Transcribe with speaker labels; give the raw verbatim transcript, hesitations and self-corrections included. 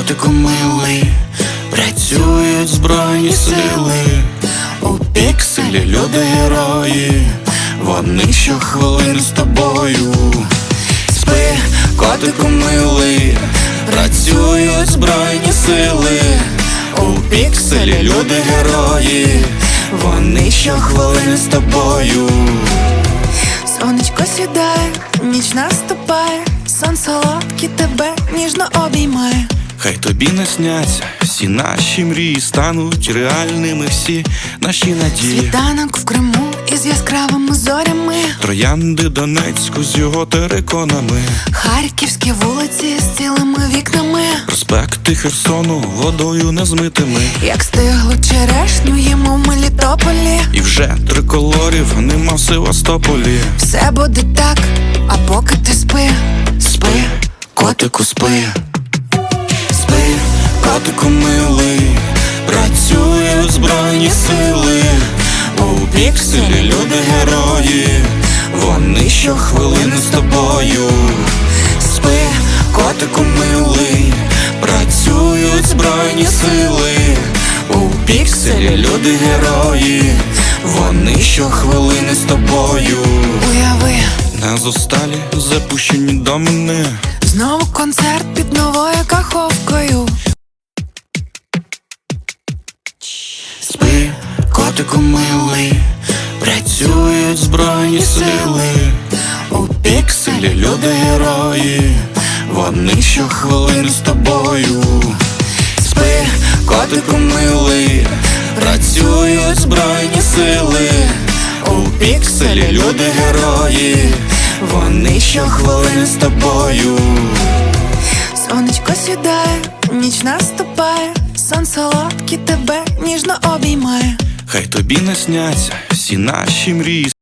Speaker 1: котику милий, працюють збройні сили. У пікселі люди герої, вони щохвилини з тобою. Спи, котику милий, працюють збройні сили. У пікселі люди герої, вони щохвилини з тобою.
Speaker 2: Сонечко сідає, ніч наступає, сон солодкий тебе ніжно обіймає.
Speaker 1: Хай тобі не сняться всі наші мрії, стануть реальними всі наші надії.
Speaker 2: Світанок в Криму із яскравими зорями,
Speaker 1: Троянди Донецьку з його териконами,
Speaker 2: харківські вулиці з цілими вікнами,
Speaker 1: проспекти Херсону водою незмитими.
Speaker 2: як стиглу черешню їмо в Мелітополі.
Speaker 1: І вже триколорів нема в Севастополі.
Speaker 2: Все буде так, а поки ти спи.
Speaker 1: Спи, котику, спи. Спи, котику милий, працюють збройні сили. У пікселі люди герої, вони щохвилини з тобою. Спи, котику милий, працюють збройні сили. У пікселі люди герої, вони щохвилини з тобою.
Speaker 2: Уяви,
Speaker 1: На зосталі запущені до мене,
Speaker 2: знову концерт під новою каховкою.
Speaker 1: спи, котику милий, працюють збройні сили. У пікселі люди герої, вони щохвилини з тобою. Спи, котику милий, працюють збройні сили. У пікселі люди герої, вони щохвилини з тобою.
Speaker 2: Сонечко сідає, ніч наступає, сон солодкий тебе ніжно обіймає.
Speaker 1: Хай тобі не сняться всі наші мрії.